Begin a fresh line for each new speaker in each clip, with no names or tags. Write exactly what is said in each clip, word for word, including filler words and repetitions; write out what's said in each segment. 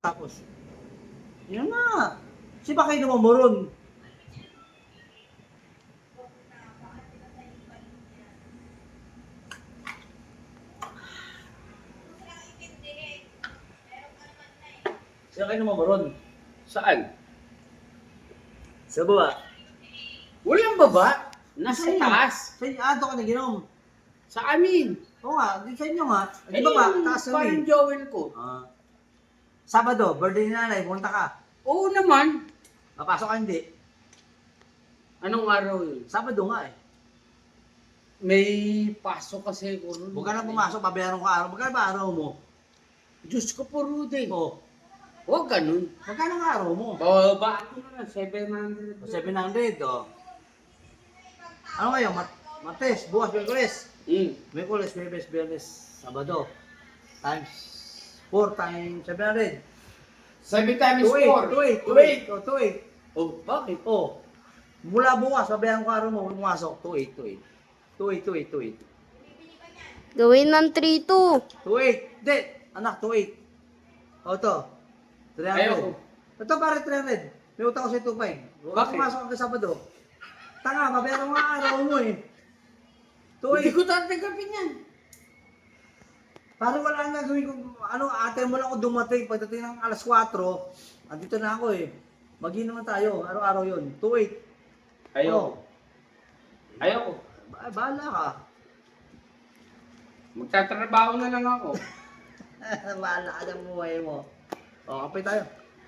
Tapos, yun na. Si ba kayo naman mo ron? Siya kayo naman mo ron?
Saan?
Sa baba.
Walang baba. Nasa
Sa inyo.
taas.
Sa inyo, ah, doon ka naginom.
Sa amin.
Oo nga, di sa inyo nga. Di
Eh,
ba ba?
yung
Taas na
parang
rin.
Joel ko.
Ah. Sabado, birthday ni nanay, pumunta ka.
Oo naman.
Papasok ka hindi.
Anong araw yun?
Sabado nga eh.
May pasok kasi ko nun.
Huwag ka na pumasok, babayaran ko araw. Magkano ba araw mo?
Diyos ko po, Rudy.
Oo.
Huwag ganun.
Magkano ang araw mo?
Bababa ako na lang, seven hundred.
seven hundred, oh. Ano ngayon? Mat Martes, bukas, Miyerkules.
Mm.
Miyerkules, Miyerkules, Biyernes, Sabado. Times four times seven hundred.
Seven times
two eight,
four.
two eight, two
Two
eight. Oh, two eight.
Oh, bakit?
Oh. Mula bukas, babayaran ko araw mo, pumasok. two eight, two eight. two eight, two eight, two eight.
Gawin ng three two.
two eight. Hindi, anak, two eight. O, ito. three hundred.
Ayoko.
Ito pare three hundred. May utang ko sa two five.
Bakit?
Pumasok ka sa Sabado. Tanga, babayaran ko nga araw mo eh. two
Hindi
eight.
ko tatanggapin yan.
Parang wala nga gawin ko, ano, ate mo lang ako dumating, pagdating ng alas four, andito na ako eh. Mag-inom na tayo, araw-araw yun. two eight.
Ayoko.
Oh.
Ayoko.
Ba bahala ka.
Magtatrabaho na lang ako.
Bahala ka ng buhay mo. O, kapay tayo.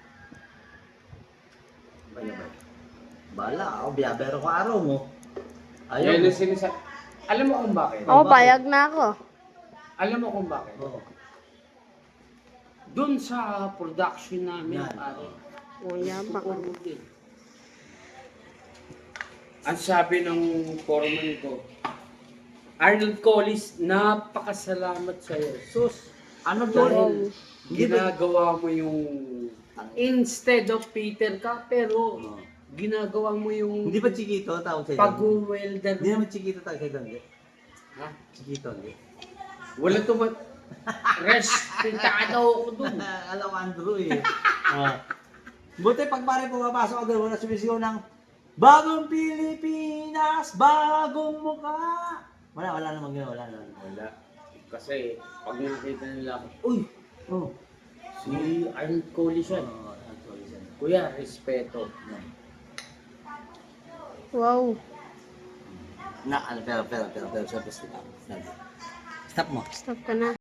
Baya, baya. Bahala ako, biyabero ko araw mo. Ayaw
Yan
mo.
ang sinasa- Alam mo kung bakit?
Ako, payag na ako.
Alam mo kung bakit?
Oo.
Doon sa production namin,
Yan.
pare.
O, yabang.
Rudy. Ang sabi ng foreman ko, Arnold Collis, napakasalamat sa'yo.
Sus, ano to?
Dahil
Hindi ba?
ginagawa mo yung instead of Peter ka, pero
Oo.
ginagawa mo yung
Hindi ba Chiquito tawag sa'yo?
pag-welder
Hindi
mo.
naman Chiquito tawag sa'yo, hindi.
Ha?
Chiquito, hindi.
Wala tumat... Respetado ako dun.
Alam ko, Andrew eh. Oh. Buti pag pare pumapasok ako doon, wala sumisigaw ng Bagong Pilipinas, bagong mukha. Wala, wala naman gano'n, wala naman.
Wala. Kasi pag nakita nila ako,
Uy! Oh.
si Arnold Collis yan.
Oh, actually, siya.
Kuya, respeto.
Yan.
Wow.
Na, ano, pero, pero, pero, pero, pero, stop. Stop mo.
Stop ka na.